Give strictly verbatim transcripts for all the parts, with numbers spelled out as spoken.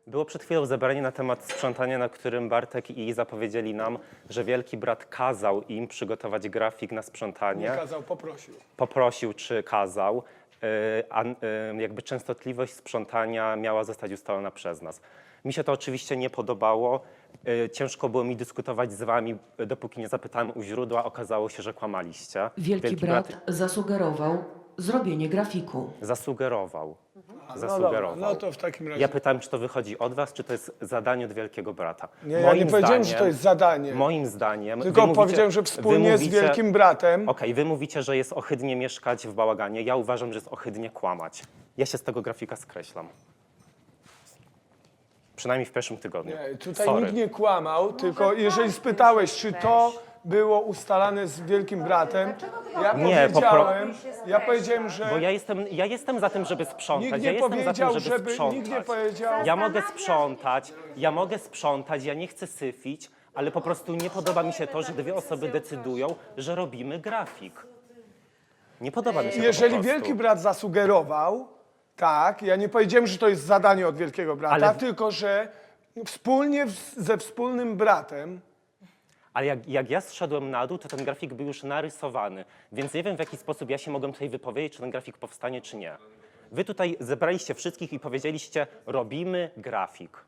Było przed chwilą zebranie na temat sprzątania, na którym Bartek i Iza powiedzieli nam, że wielki brat kazał im przygotować grafik na sprzątanie. Nie kazał, poprosił. Poprosił czy kazał, yy, a yy, jakby częstotliwość sprzątania miała zostać ustalona przez nas. Mi się to oczywiście nie podobało. Yy, ciężko było mi dyskutować z wami, dopóki nie zapytałem u źródła. Okazało się, że kłamaliście. Wielki, Wielki brat, brat zasugerował zrobienie grafiku. Zasugerował. A, Zasugerował. No, dobra, no to w takim razie. Ja pytałem, czy to wychodzi od was, czy to jest zadanie od Wielkiego Brata. Nie, ja nie powiedziałem, że to jest zadanie. Moim zdaniem... Tylko wy mówicie, powiedziałem, że wspólnie mówicie, z Wielkim Bratem. Okej, okay, wy mówicie, że jest ohydnie mieszkać w bałaganie. Ja uważam, że jest ohydnie kłamać. Ja się z tego grafika skreślam. Przynajmniej w pierwszym tygodniu. Nie, tutaj Sorry. nikt nie kłamał, tylko jeżeli spytałeś, czy to było ustalane z Wielkim Bratem, ja Nie, powiedziałem, ja powiedziałem, że Bo ja jestem, ja jestem za tym, żeby sprzątać. nikt ja nie jestem za tym, powiedział, żeby, żeby, sprzątać. nikt nie powiedział, Ja mogę sprzątać, ja mogę sprzątać, ja nie chcę syfić, ale po prostu nie podoba mi się to, że dwie osoby decydują, że robimy grafik. Nie podoba mi się to jeżeli po prostu. Wielki Brat zasugerował, tak, ja nie powiedziałem, że to jest zadanie od Wielkiego Brata, Ale- tylko że wspólnie w- ze wspólnym bratem. Ale jak, jak ja zszedłem na dół, to ten grafik był już narysowany, więc nie wiem, w jaki sposób ja się mogłem tutaj wypowiedzieć, czy ten grafik powstanie, czy nie. Wy tutaj zebraliście wszystkich i powiedzieliście, robimy grafik.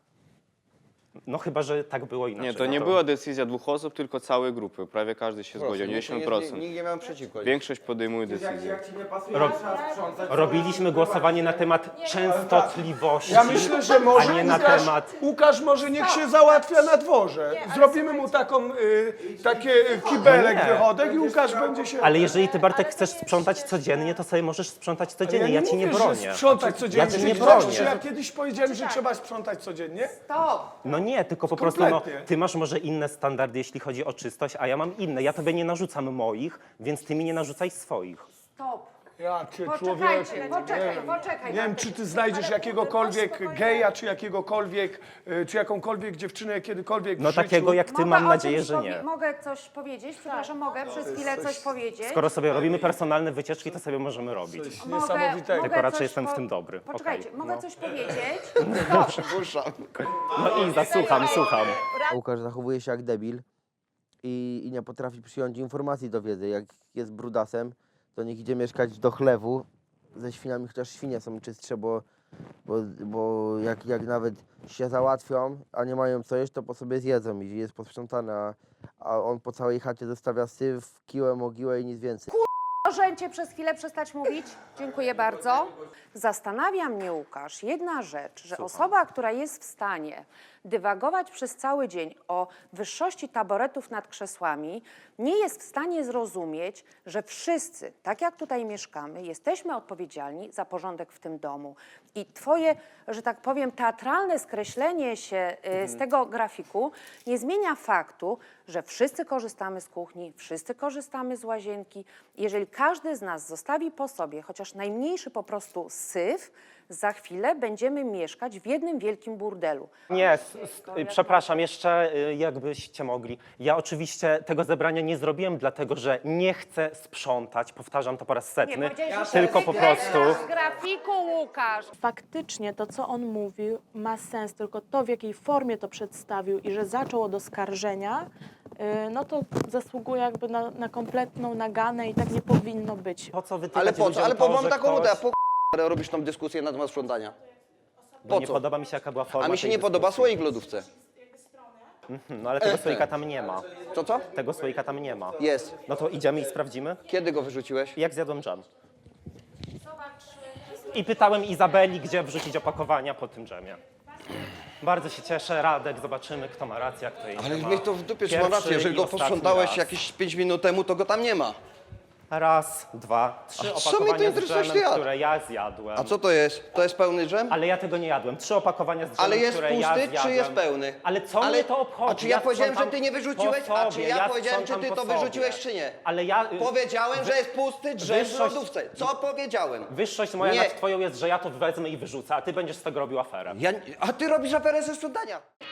No chyba, że tak było inaczej. Nie, to nie była decyzja dwóch osób, tylko całej grupy. Prawie każdy się zgodził, dziewięćdziesiąt procent. Nikt nie miał przeciwko. Większość podejmuje decyzję. Ro robiliśmy głosowanie na temat częstotliwości, Ja myślę, że może a nie na Łukasz, temat... Łukasz może niech się załatwia na dworze. Zrobimy mu taką, y, takie y, kibelek, Nie. wychodek i Łukasz będzie się... Ale jeżeli ty, Bartek, chcesz sprzątać codziennie, to sobie możesz sprzątać codziennie. Ja, nie ci nie mówię, bronię. że sprzątać codziennie. Ja cię nie Czy chcesz, bronię. Czy ja kiedyś powiedziałem, że trzeba sprzątać codziennie? Stop! No nie, tylko po prostu no, Kompletnie. ty masz może inne standardy, jeśli chodzi o czystość, a ja mam inne. Ja tobie nie narzucam moich, więc ty mi nie narzucaj swoich. Stop! Ja cię Poczekajcie, człowieku. poczekaj, nie, poczekaj. nie wiem, Bartek. czy ty znajdziesz Ale jakiegokolwiek spokojnie. geja, czy jakiegokolwiek, y, czy jakąkolwiek dziewczynę kiedykolwiek w No życiu. takiego jak ty, Mogę mam o nadzieję, czymś że powie- nie. Mogę coś powiedzieć? Przepraszam, mogę przez chwilę coś powiedzieć? Skoro sobie robimy personalne wycieczki, to sobie możemy robić. Coś Mogę- niesamowitego. Tylko raczej coś jestem w po- tym dobry. Poczekajcie, Okej, mogę no. coś powiedzieć? Stop! Przypuszczam. No i zasłucham, słucham. Łukasz zachowuje się jak debil i, i nie potrafi przyjąć informacji do wiedzy. Jak jest brudasem, to niech idzie mieszkać do chlewu ze świniami, chociaż świnie są czystsze, bo, bo, bo jak, jak nawet się załatwią, a nie mają co jeść, to po sobie zjedzą i jest posprzątane, a, a on po całej chacie zostawia syf, kiłę, mogiłę i nic więcej. Możecie przez chwilę przestać mówić? Dziękuję bardzo. Zastanawia mnie, Łukasz, jedna rzecz, że osoba, która jest w stanie dywagować przez cały dzień o wyższości taboretów nad krzesłami, nie jest w stanie zrozumieć, że wszyscy, tak jak tutaj mieszkamy, jesteśmy odpowiedzialni za porządek w tym domu. I twoje, że tak powiem, teatralne skreślenie się y, z tego grafiku nie zmienia faktu, że wszyscy korzystamy z kuchni, wszyscy korzystamy z łazienki. Jeżeli każdy z nas zostawi po sobie chociaż najmniejszy po prostu syf, za chwilę będziemy mieszkać w jednym wielkim burdelu. Nie, s- s- przepraszam, jeszcze y, jakbyście mogli. Ja oczywiście tego zebrania nie zrobiłem, dlatego że nie chcę sprzątać, powtarzam to po raz setny, tylko po prostu... Z grafiku, Łukasz! Faktycznie to, co on mówił, ma sens, tylko to, w jakiej formie to przedstawił i że zaczął od oskarżenia, yy, no to zasługuje jakby na, na kompletną naganę i tak nie powinno być. Po co wytykać Ale po co? ludziom Ale to, po, mam że taką ktoś... ochotę, a po k***a robisz tą dyskusję na temat sprzątania. Bo Po nie co? podoba mi się, jaka była forma A mi się tej nie podoba dyskusji. słoik w lodówce. No ale tego słoika tam nie ma. Co, co? Tego słoika tam nie ma. Jest. No to idziemy i sprawdzimy. Kiedy go wyrzuciłeś? Jak zjadłem dżem. I pytałem Izabeli, gdzie wrzucić opakowania po tym dżemie. Bardzo się cieszę, Radek, zobaczymy, kto ma rację, a kto jej nie Ale ma. mnie to w dupie, czy mam Pierwszy rację, jeżeli i go ostatni posprzątałeś raz. jakieś pięć minut temu, to go tam nie ma. Raz, dwa, trzy A co mnie to opakowania z interesuje, dżemem, ty jadł? które ja zjadłem. A co to jest? To jest pełny dżem? Ale ja tego nie jadłem. Trzy opakowania z dżemem, Ale jest które ja pusty, zjadłem. czy jest pełny? Ale co Ale- mnie to obchodzi? A czy ja powiedziałem, sprzątam że ty nie wyrzuciłeś? po A czy sobie, ja powiedziałem, czy sprzątam ty po to wyrzuciłeś, sobie. czy nie? Ale ja... Powiedziałem, że jest pusty drzem w Wyższość- lodówce. Co powiedziałem? Wyższość moja Nie. nad twoją jest, że ja to wezmę i wyrzucę, a ty będziesz z tego robił aferę. Ja, a ty robisz aferę ze sprzątania.